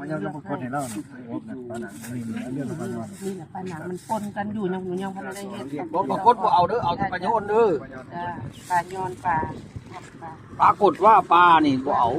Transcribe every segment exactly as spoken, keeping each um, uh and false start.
มันยังจะคนเห็นแล้วนะปลาหนังนี่เรื่องของปลาหนังนี่แหละปลาหนังมันปนกันอยู่ยังยังพันได้เห็ดบ่ปรากฏว่าเอาเด้อเอาแต่ปลาโยนเด้อปลาย้อนปลาปลาปรากฏว่าปลานี่บ่เอา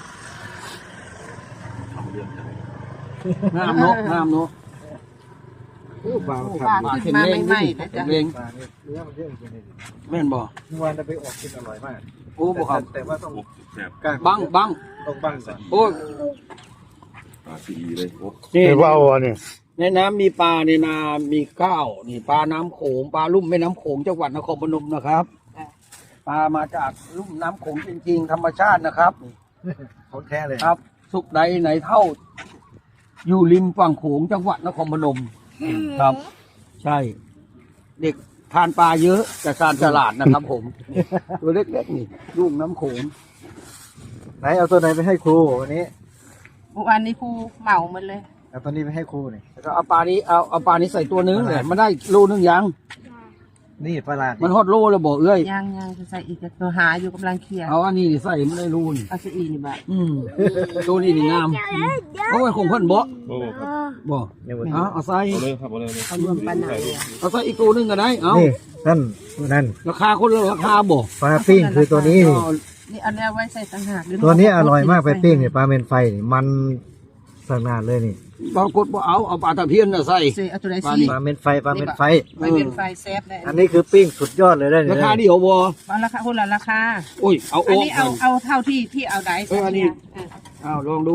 น้ำเนาะน้ำเนาะปลาปลาขึ้นมาใหม่ๆนะจ๊ะเร่งปลาเนี่ยเนื้อมันเยอะจริงๆเลยแม่นบ่เมื่อวานเราไปออกกินอร่อยมากโอ้บ่ครับแต่ว่าต้องบังบังต้องบังก่อนโอ้ยปลาซีเลยโอ้นี่เดี๋ยวว่าเอาอันนี้ในน้ำมีปลาในนามีข้าวนี่ปลาน้ำโขงปลาลุ่มแม่น้ำโขงจังหวัดนครพนมนะครับปลามาจากลุ่มน้ำโขงจริงๆธรรมชาตินะครับของแท้เลยครับ สุขใดไหนเท่า อยู่ริมฝั่งโขงจังหวัดนครพนมครับ ใช่ เด็กทานปลาเยอะแต่การฉลาดนะครับผม ตัวเล็กๆนี่ลุ่มน้ำโขงไหนเอาตัวไหนไปให้ครูวันนี้เมื่อวานนี้ครูเหมาหมดเลยเอาตัวนี้ไปให้ครูนี่แล้วก็เอาปลานี้เอาเอาปลานี้ใส่ตัวนึงเลยมันได้โลนึงยังนี่ปลาหลาดมันฮอดโลแล้วบอกเอ้ยย่างย่างจะใส่อีกตัวหาอยู่กำลังเคลียร์เอาอันนี้ใส่ไม่ได้รูนเอาซะอีนี่บ่ะอืมตัวนี้นี่งามโอ้ยคงเพิ่นบ่โหครับบ่เนี่ยวันเอาเอาใส่เอาเลยครับเอาเลยเอารวมปลาหนังเอาใส่อีกตัวนึงก็ได้เอานี่นั่นนั่นราคาคนละราคาบ่ปลาปิ้งคือตัวนี้นี่เอานี่เอาแนวไว้ใส่ต่างหากหรืตัวนี้อร่อยมากไปปิ้งเนี่ยปลาเมนไฟนี่มันสนานเลยนี่ปรากฏบ่เอาเอาปลาตะเพียนน่ะใส่ใส่เอาตัวไหนปลาสินี่ปลาเมนไฟปลาเมนไฟไม่เป็นไฟแซฟได้อันนี้คือปิ้งสุดยอดเลยได้ราคาเดียวบ่เอาราคาคนละราคาโอ้ยเอาอัอน อกนี้เอาเอาเท่าที่ที่เอาได้เอออันนี้เอาลองดู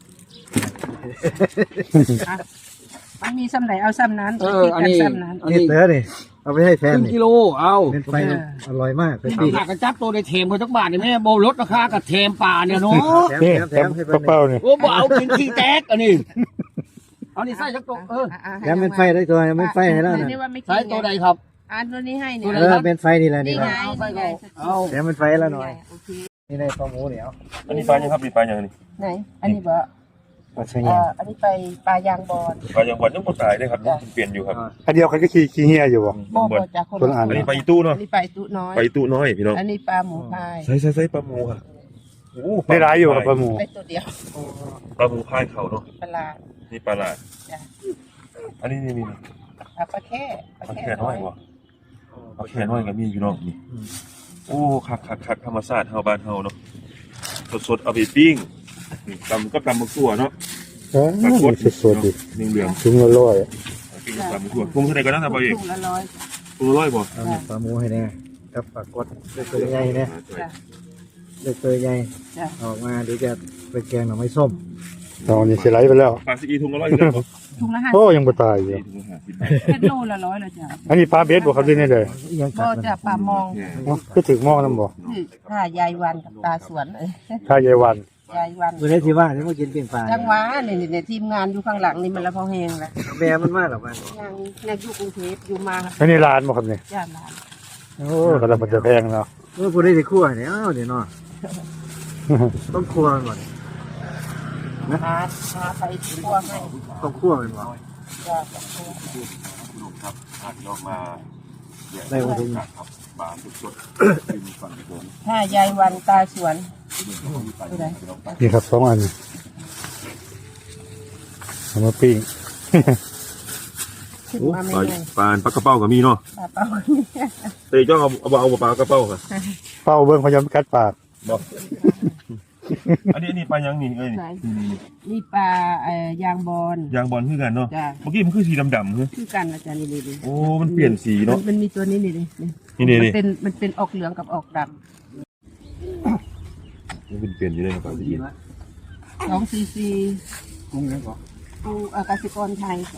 อ่ะมันมีซ้ำไหนเอาซ้ำนั้นเอออันนี้ซ้ำนั้นอันนี่นี้เต๋อนี่เอาไปให้แฟคน รึ่งนี่กิโลเอาเมนไฟนี่อร่อยมากไปปิ้งหากระจับตัวได้เทมเขาจักบาทนี่แม่บ่ลดราคากับเทมปลาเนี่ยเนาะแถมนี่แถมแถแถมมให้กเพิ่ระนเป๋านี่โอ้บ่เอากินขี้แตกอันนี้เอานี่ใส่จักตัวเออแถมเป็นไฟได้ตัวเมนไฟให้แล้วนะนี่ว่าไม่กินใส่ตัวใดครับอันตัวนี้ให้เนี่ยเออเป็นไฟนี่แหละนี่นี่ไงเอาไปนี่ไงเอาแถมเป็นไฟแล้วหน่อยโอเคนี่ในปลาหมูเหนียวอันนี้ปลายังครับมีปลายังนี่ไหนอันนี้บ่ปลาชะเอ่เงียออันนี้ไปปลายางบอลปลายังบอลยังบ่ตายได้ครับยังเปลี่ยนอยู่ครับอันเดียวกันก็ขี้ขี้เหี้ยอยู่บ่บ่บอลบ่จากคนคนละอัอันนี้ปลาอีตู้เนาะอันนี้ไปตุ้น้อยปลาอีตู้น้อยพี่น้องอันนี้ปลาหมูพายใส่ใส่ใส่ปลาหมูค่ะโอ้ได้ร้ายอยู่กับปลาหมูไปตัวเดียวปลาหมูพายเขาเนาะปลาลานี่ปลาหลาดจ้ะอันนี้นี่นี่อ่ะปลาแค่ปลาปลาแค่แค่น้อยบ่ปลาแค่น้อยก็มีพี่น้องนี่โอ้คักคักคักธรรมชาติเฮาบ้านเฮาเนาะสดๆเอาไปปิ้งนี่ตำก็ตำบักตัวเนาะอ๋อปลากดสดๆดิเหลืองถุงละร้อยๆปิ้งกับตำบักตัวปรุงเท่าไหร่ก็ได้นะบ่เอกถุงละร้อยปรุงละร้อยบ่เอาเนี่ยปลาหมูให้แน่กับปลากดเล็กตัวใหญ่เนี่ยจ้ะเล็กตัวใหญ่จ้ะออกมาเดี๋ยวจะไปแกงหน่อไม้ส้มตอนนี้สิไหลไปแล้วปลาซีอีถุงละร้อยอยู่แล้วบ่ถุงละห้าโอ้ยังบ่ตายอยู่ถุงละห้าสิบบาทเป็นโลละร้อยแล้วจ้ะอันนี้ปลาเบ็ดบ่ครับด้วยนี่เลยยังกัก็ดมันจะปลามองอ๋อก็ถึงหม้อนํบ่คือถ้ายายวันกับตาสวนเอ้ยถ้ายายวันยายวันวันนี้ที่ว่าที่มากินปิ้งปลาจังหวะนี่นี่ทีมงานอยู่ข้างหลังนี่มันละพอแหงแล้วแม่มันมากหรอมันยังยังอยู่กรุงเทพอยู่มาอันนี้ร้านบ่ครับนี่จ้าหลานโอ้ก็แล้วมันจะแพงเนาะเมื่อพูดได้ที่ครัวเนี่ยอ้าวเดี๋ยวเนาะต้องครัวมันหมดหาหาไปทั่วให้ต้องครัวมันหมดจ้าครับอาจจะออกมาได้วันที่ครับบานสดๆเป็นฝั่งโขงถ้ายายวันตาสวนผู้ใดนี่ครับสองอันเอามาปิ้งขึ้นโอ้มาปไม่ลาได้ปลาปลากระเป้าก็มีเนาะปลาเป้าเตยจ้องเอาเอาเอาปลากระเป้าค่ะเป้าเบิ่งพยายามกัดปากบอกอันนี้อันนี้ปลายังนี่เอ้ยไหนนี่นี่นี่ปลาเอ่อยางบอลยางบอลคือกันเนาะจ้าเมื่อกี้มันคือสีดำๆเฮ้ยคือกันอาจารย์นี่นี่โอ้มันเปลี่ยนสีเนาะมันมีตัวนี้นี่นี่นี่นี่มันี่เป็นมันเป็นออกเหลืองกับออกดมันเป็นเปลี่ยนอยู่เลยครับปลาสีำสองซีซีกุ้งนั่นก่อนปูอากาศิกรไทยจ้ะ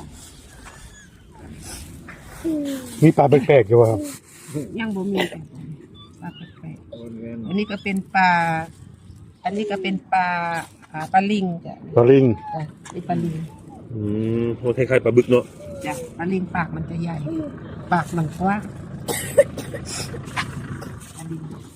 มีปลาแปลกๆอยู่บ่ครับยังบ่มีจ้ะปลาแปลกๆอันนี้ก็เป็นปลา อันนี้ก็เป็นปลาอ่าปลาลิงจ้ะปลาลิงจ้ะนี่ปลาลิงอืมโหคล้ายๆปลาบึกเนาะจ้ะปลาลิงปากมันจะใหญ่ ปากมันกว้างปลาลิง